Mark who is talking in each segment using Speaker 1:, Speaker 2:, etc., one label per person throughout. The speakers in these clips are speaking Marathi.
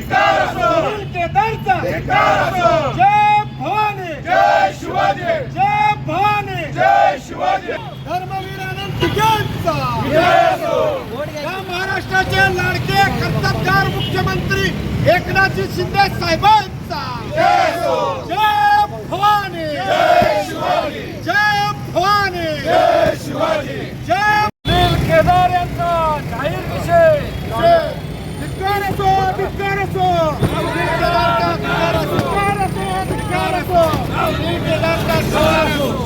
Speaker 1: केदारचा जय भवानी,
Speaker 2: जय शिवाजी,
Speaker 1: जय भवानी,
Speaker 2: जय शिवाजी,
Speaker 1: धर्मवीर अनंत तुकांचा, या महाराष्ट्राचे लाडके कर्तबगार मुख्यमंत्री एकनाथजी शिंदे साहेबांचा जय भवानी,
Speaker 2: जय शिवाजी,
Speaker 1: जय भवानी,
Speaker 2: जय शिवाजी,
Speaker 1: जय
Speaker 3: केदार यांचा जाहीर विषय
Speaker 1: धिक्कार असो, धिक्कार असो, केदारचा धिक्कार असो, धिक्कार असो, केदारचा धिक्कार असो.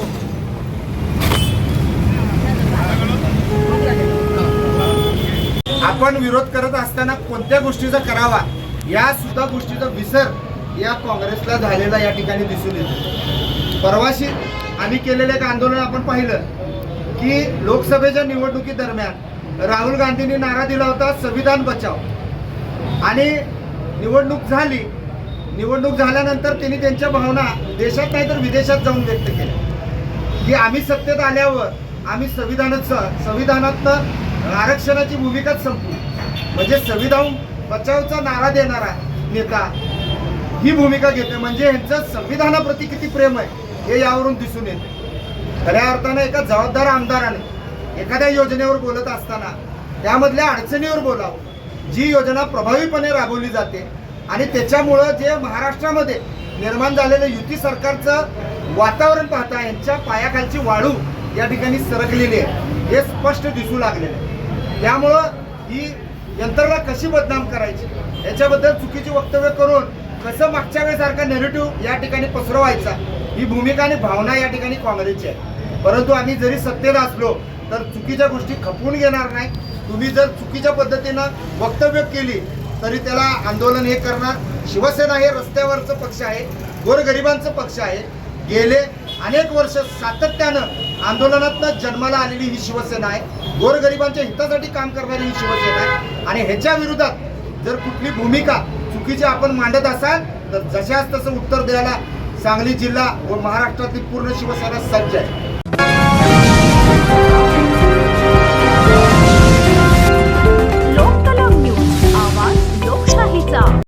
Speaker 4: आपण विरोध करत असताना कोणत्या गोष्टीचा करावा या सुद्धा गोष्टीचा विसर या काँग्रेसला झालेला या ठिकाणी दिसून येतो. परवाशी आम्ही केलेलं एक आंदोलन आपण पाहिलं की लोकसभेच्या निवडणुकीदरम्यान राहुल गांधींनी नारा दिला होता संविधान बचाव, आणि निवडणूक झाली. निवडणूक झाल्यानंतर त्यांनी त्यांच्या भावना देशात नाही तर विदेशात जाऊन व्यक्त केल्या की आम्ही सत्तेत आल्यावर आम्ही संविधानातनं आरक्षणाची भूमिकाच संपू. म्हणजे संविधान बचावचा नारा देणारा नेता ही भूमिका घेते, म्हणजे यांचं संविधानाप्रती किती प्रेम आहे हे यावरून दिसून येते. खऱ्या अर्थानं एका जबाबदार आमदाराने एखाद्या योजनेवर बोलत असताना त्यामधल्या अडचणीवर बोलावं. जी योजना प्रभावीपणे राबवली जाते आणि त्याच्यामुळं जे महाराष्ट्रामध्ये निर्माण झालेलं युती सरकारचं वातावरण पाहता यांच्या पायाखालची वाळू या ठिकाणी सरकलेली आहे हे स्पष्ट दिसू लागलेलं आहे. त्यामुळं ही यंत्रणा कशी बदनाम करायची याच्याबद्दल चुकीची वक्तव्य करून कसं मागच्या वेळेसारखा नेरेटिव्ह या ठिकाणी पसरवायचा ही भूमिका आणि भावना या ठिकाणी काँग्रेसची आहे. परंतु आम्ही जरी सत्तेत असलो तर चुकीच्या गोष्टी खपवून घेणार नाही. तुम्ही जर चुकीच्या पद्धतीनं वक्तव्य केली तरी त्याला आंदोलन हे करणार. शिवसेना हे रस्त्यावरचं पक्ष आहे, गोरगरिबांचं पक्ष आहे. गेले अनेक वर्ष सातत्यानं आंदोलनातनं जन्माला आलेली ही शिवसेना आहे. गोरगरिबांच्या हितासाठी काम करणारी ही शिवसेना आहे. आणि ह्याच्या विरोधात जर कुठली भूमिका चुकीची आपण मांडत असाल तर जशाच तसं उत्तर द्यायला सांगली जिल्हा व महाराष्ट्रातील पूर्ण शिवसेना सज्ज आहे.